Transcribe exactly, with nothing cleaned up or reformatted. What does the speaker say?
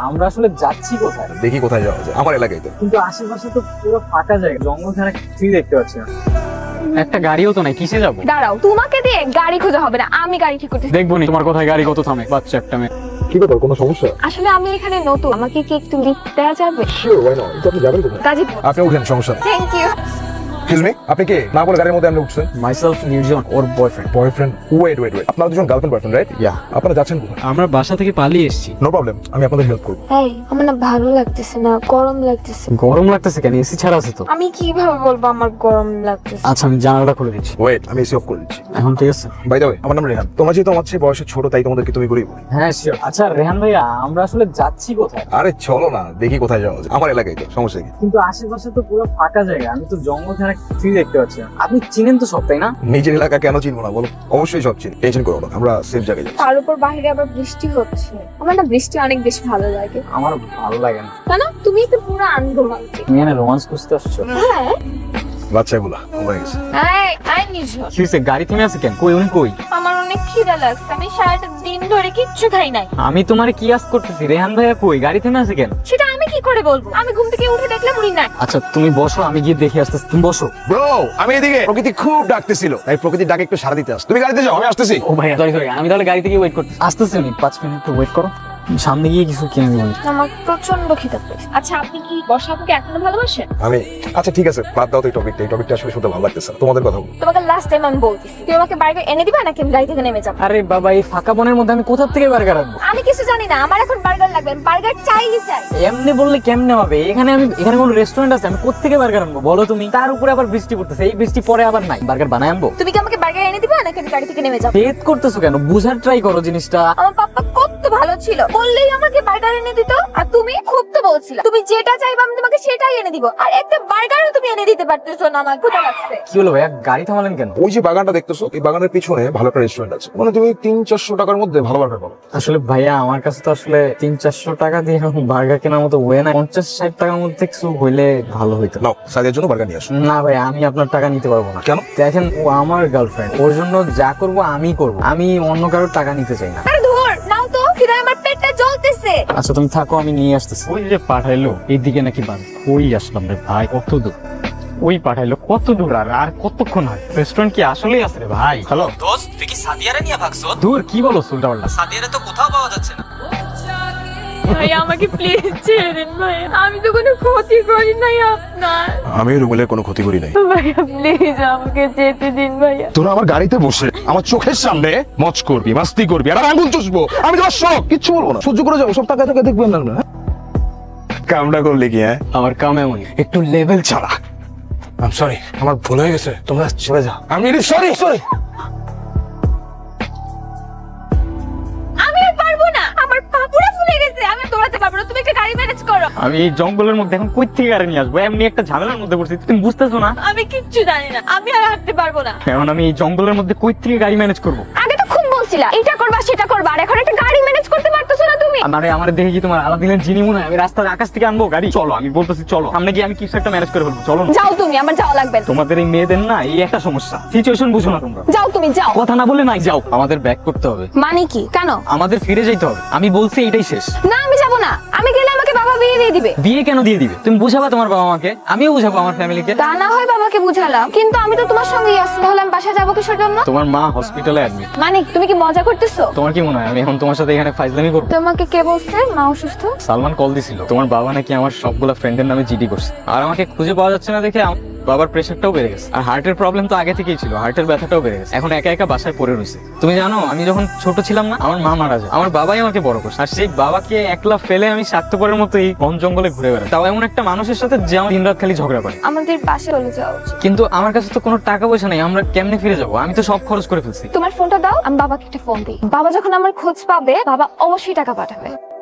আমরা আসলে যাচ্ছি কোথায়? দেখি কোথায় যাওয়া যায়, আমার এলাকায় তো। কিন্তু আশেপাশে তো পুরো ফাঁকা জায়গা, জঙ্গল ছাড়া কিছুই দেখতে পাচ্ছি না। একটা গাড়িও তো নাই, কিসে যাবো? দাঁড়াও, তোমাকে দিয়ে গাড়ি খোঁজা হবে না, আমি গাড়ি ঠিক করতেছি। দেখবো নি তোমার কোথায় গাড়ি কত থামে, বাচ্চা একটা মেয়ে। কি ব্যাপার, কোনো সমস্যা? আসলে আমি এখানে নতুন, আমাকে কি একটু লিফট দেওয়া যাবে? Sure, why not. আপনি যাবেন কোথায়? গাজীপুর। আপনি উঠেন, সমস্যা নেই। Thank you. এক্সকিউজ মি, আপনি কে? না বলে গাড়ির মধ্যে আপনি উঠছেন? মাইসেলফ নির্জন, ওর boyfriend. Boyfriend? Wait wait wait, আপনারা দুজন গার্লফ্রেন্ড বয়ফ্রেন্ড, রাইট? ইয়া। আপনারা যাচ্ছেন কোথায়? আমরা বাসা থেকে পালিয়ে এসেছি। নো প্রবলেম, আমি আপনাদের হেল্প করব। এই, আমার না ভালো লাগতেছে না, গরম লাগতেছে। গরম লাগতেছে কেন? এসি ছাড়া আছে তো। আমি কিভাবে বলবো আমার গরম লাগতেছে? আচ্ছা আমি জানালাটা খুলে দিচ্ছি। ওয়েট, আমি এসি অফ করে দিচ্ছি। এখন ঠিক আছে? বাই দ্য ওয়ে, আমার নাম রেহান। তোমরা যেহেতু আমার চেয়ে বয়সে ছোট, তাই তোমাদেরকে তুমি করেই বলি। হ্যাঁ শিওর। আচ্ছা রেহান ভাইয়া, আমরা আসলে যাচ্ছি কোথায়? আরে চলো না, দেখি কোথায় যাওয়া যায়, আমার এলাকায় তো, সমস্যা কি? কিন্তু আশেপাশে তো পুরো ফাঁকা জায়গা, আমি তো জঙ্গল ছাড়া কিছুই দেখতে পাচ্ছি না। আপনি চিনেন তো সব, তাই না? নিজের এলাকা কেন চিনবো না বলো? অবশ্যই সব চিনি, টেনশন করো না, আমরা সেফ জায়গায় যাচ্ছি। তার উপর বাইরে আবার বৃষ্টি হচ্ছে। আমার না বৃষ্টি অনেক বেশি ভালো লাগে। আমার ভালো লাগে না। কেন? তুমি তো পুরো আনরোমান্টিক। তুমি এখানে রোমান্স খুঁজতে আসছো? হ্যাঁ। বাচ্চাগুলা হয়ে গেছে। এই, আই নিঝর। কি হয়েছে? গাড়ি থেমে আছে কেন? কই উনি কই? আমার অনেক খিদা লাগছে, আমি সারাটা দিন ধরে কিচ্ছু খাই নাই। আমি তোমারে কি আস করতেছি? রেহান ভাইয়া কই? গাড়ি থেমে আছে কেন? সেটা আমি কি করে বলবো? আমি ঘুম থেকে উঠে দেখলাম উনি নাই। আচ্ছা তুমি বসো, আমি গিয়ে দেখে আসতেছি। তুমি বসো। ব্রো, আমি এদিকে। প্রকৃতি খুব ডাকতেছিল, তাই প্রকৃতির ডাকে একটু সাড়া দিতে আস। তুমি গাড়িতে যাও, আমি আসতেছি। ও ভাইয়া সরি সরি, আমি তাহলে গাড়ি থেকে ওয়েট করতে আসতেছি। উনি পাঁচ মিনিট একটু ওয়েট করো, সামনে গিয়ে কিছু কিনে দেবো। আমার প্রচন্ড খিদা পেয়েছে। আচ্ছা আপনি কি বর্ষাপুকে এখনো ভালোবাসেন? আমি আচ্ছা ঠিক আছে, বাদ দাও তো এই টপিকটা। এই টপিকটা আসলে শুনতে ভালো লাগতেছে না। তোমাদের কথা বলো। তোমাকে লাস্ট টাইম আমি বলতেছি, তুমি আমাকে বার্গার এনে দিবা নাকি আমি গাড়ি থেকে নেমে যাবো? আরে বাবা, এই ফাঁকা বনের মধ্যে আমি কোথা থেকে বার্গার আনবো? আমি কিছু জানি না, আমার এখন বার্গার লাগবে, বার্গার চাই চাই। এমনি বললে কেমনে হবে? এখানে আমি এখানে কোনো রেস্টুরেন্ট আছে? আমি কোত্থেকে বার্গার আনবো বলো তুমি? তার উপরে আবার বৃষ্টি পড়তেছে, এই বৃষ্টি পরে আবার নাই। বার্গার বানায় আনবো? তুমি কি আমাকে বার্গার এনে দিবা নাকি আমি গাড়ি থেকে নেমে যাবো? জেদ করতেছো কেন? বুঝার ট্রাই করো জিনিসটা। আমার পাপ্পা কত ভালো ছিল, বললেই আমাকে বার্গার এনে দিত। আর তুমি খুব তো বলছিলা তুমি যেটা চাইবা আমি তোমাকে সেটাই এনে দিব, আর একটা বার্গারও তুমি এনে দিতে পারতেছো না। আমার ক্ষুধা লাগছে। কি হলো ভাইয়া, গাড়ি থামালেন কেন? ওই যে বাগানটা দেখতেছো, এই বাগানের পিছনে ভালো একটা রেস্টুরেন্ট আছে, মানে তুমি তিন চারশো টাকার মধ্যে ভালো বার্গার পাবো। আসলে ভাইয়া আমার কাছে তো আসলে তিন চারশো টাকা দিয়ে বার্গার কেনার মতো ওয়ে না। পঞ্চাশ ষাট টাকার মধ্যে কিছু হইলে ভালো হইতো। নাও, সাদিয়ার জন্য বার্গার নিয়ে আসো। না ভাই, আমি আপনার টাকা নিতে পারবো না। কেন? দেখেন ও আমার গার্লফ্রেন্ড, ওর জন্য যা করবো আমি করবো, আমি অন্য কারোর টাকা নিতে চাই না। আরে ধুর, নাও তো, খিদায় আমার পেটটা জ্বলতেছে। আচ্ছা তুমি থাকো, আমি নিয়ে আসতেছি। ওই যে পাঠাইলো এইদিকে নাকি বান, ওই আসলাম রে ভাই। কত দূর ওই পাঠাইলো? কত দূর? আর আর কতক্ষণ হয়? রেস্টুরেন্ট কি আসলেই আছে রে ভাই? হ্যালো দোস্ত, তুই কি সাদিয়ারে নিয়ে ভাগছো? দূর, কি বলো উল্টা পাল্টা? সাদিয়ারে তো কোথাও পাওয়া যাচ্ছে না। ভাই আমাকে প্লিজ ছেড়ে দিন ভাই, আমি তো কোনো ক্ষতি করি নাই আপনার। আমি রুমেলের কোনো ক্ষতি করি নাই। ভাইয়া প্লিজ আমাকে যেতে দিন ভাইয়া। তোরা আমার গাড়িতে বসে আমার চোখের সামনে মজ করবি, মাস্তি করবি, আর আঙ্গুল চুষবো। আমি তোমার শখ কিচ্ছু বলবো না, সহ্য করে যাবো। সব টাকা টাকা দেখবেন না না। কামটা করলে কি? হ্যাঁ, আমার কাম এমনই, একটু লেভেল ছাড়া। আই এম সরি, আমার ভুল হয়ে গেছে, তোমরা চলে যাও। আমি সরি সরি। আমি আর পারবো না, আমার পা পুরো ফুলে গেছে, আমি আর দৌড়াতে পারবো না। তুমি একটা গাড়ি ম্যানেজ করো। আমি এই জঙ্গলের মধ্যে এখন কই থেকে গাড়ি নিয়ে আসবো? এমনি একটা ঝামেলার মধ্যে পড়ছি, তুমি বুঝতেছো না? আমি কিচ্ছু জানি না, আমি আর হাঁটতে পারবো না। এখন আমি এই জঙ্গলের মধ্যে কই থেকে গাড়ি ম্যানেজ করবো? আগে তো খুব বলছিলা এটা করবা সেটা করবা, আর এখন একটা গাড়ি ম্যানেজ করতে পারতেছো না তুমি। মানে আমার দেখে কি তোমার আলাদিনের জিনি মনে হয়? আমি রাস্তার আকাশ থেকে আনবো গাড়ি? চলো, আমি বলতেছি চলো, সামনে গিয়ে আমি কিছু একটা ম্যানেজ করে ফেলবো। চলো না। যাও তুমি, আমার যাওয়া লাগবে না। তোমাদের এই মেয়েদের না এই একটা সমস্যা, সিচুয়েশন বুঝো না তোমরা। যাও তুমি, যাও। কথা না বলে নাই, যাও। আমাদের ব্যাক করতে হবে। মানে কি? কেন? আমাদের ফিরে যাইতে হবে। আমি বলছি এটাই শেষ। না আমি যাবো না, আমি গেলে আমাকে বাবা বিয়ে দিয়ে দিবে। বিয়ে কেন দিয়ে দিবে? তুমি বুঝাবা তোমার বাবা মাকে, আমিও বুঝাবো আমার ফ্যামিলিকে। তা না হয় বাবাকে বুঝালাম, কিন্তু আমি তো তোমার সঙ্গেই আসছি, তাহলে আমি বাসায় যাবো কিসের জন্য? তোমার মা হসপিটালে অ্যাডমিট। মানে তুমি কি মজা করতেছো? তোমার কি মনে হয় আমি এখন তোমার সাথে এখানে ফাইজলামি করবো? তোমাকে কে বলছে মা অসুস্থ? সালমান কল দিছিল, তোমার বাবা নাকি আমার সবগুলা ফ্রেন্ডের নামে জিডি করছে, আর আমাকে খুঁজে পাওয়া যাচ্ছে না দেখে আমার বাবার প্রেশারটাও বেড়ে গেছে, আর হার্টের প্রবলেম তো আগে থেকেই ছিল, হার্টের ব্যথাটাও বেড়ে গেছে। এখন একা একা বাসায় পড়ে রয়েছে। তুমি জানো আমি যখন ছোট ছিলাম না, আমার মা মারা যায়, আমার বাবাই আমাকে বড় করছে, আর সেই বাবাকে একলা ফেলে আমি স্বার্থপরের মতো এই বন জঙ্গলে ঘুরে বেড়াই, তাও এমন একটা মানুষের সাথে যে আমার দিনরাত খালি ঝগড়া করে। আমাদের বাসে চলে যাওয়া উচিত। কিন্তু আমার কাছে তো কোনো টাকা পয়সা নেই, আমরা কেমনে ফিরে যাবো? আমি তো সব খরচ করে ফেলছি। তোমার ফোনটা দাও, আমি বাবাকে একটা ফোন দিই। বাবা যখন আমার খোঁজ পাবে, বাবা অবশ্যই টাকা পাঠাবে।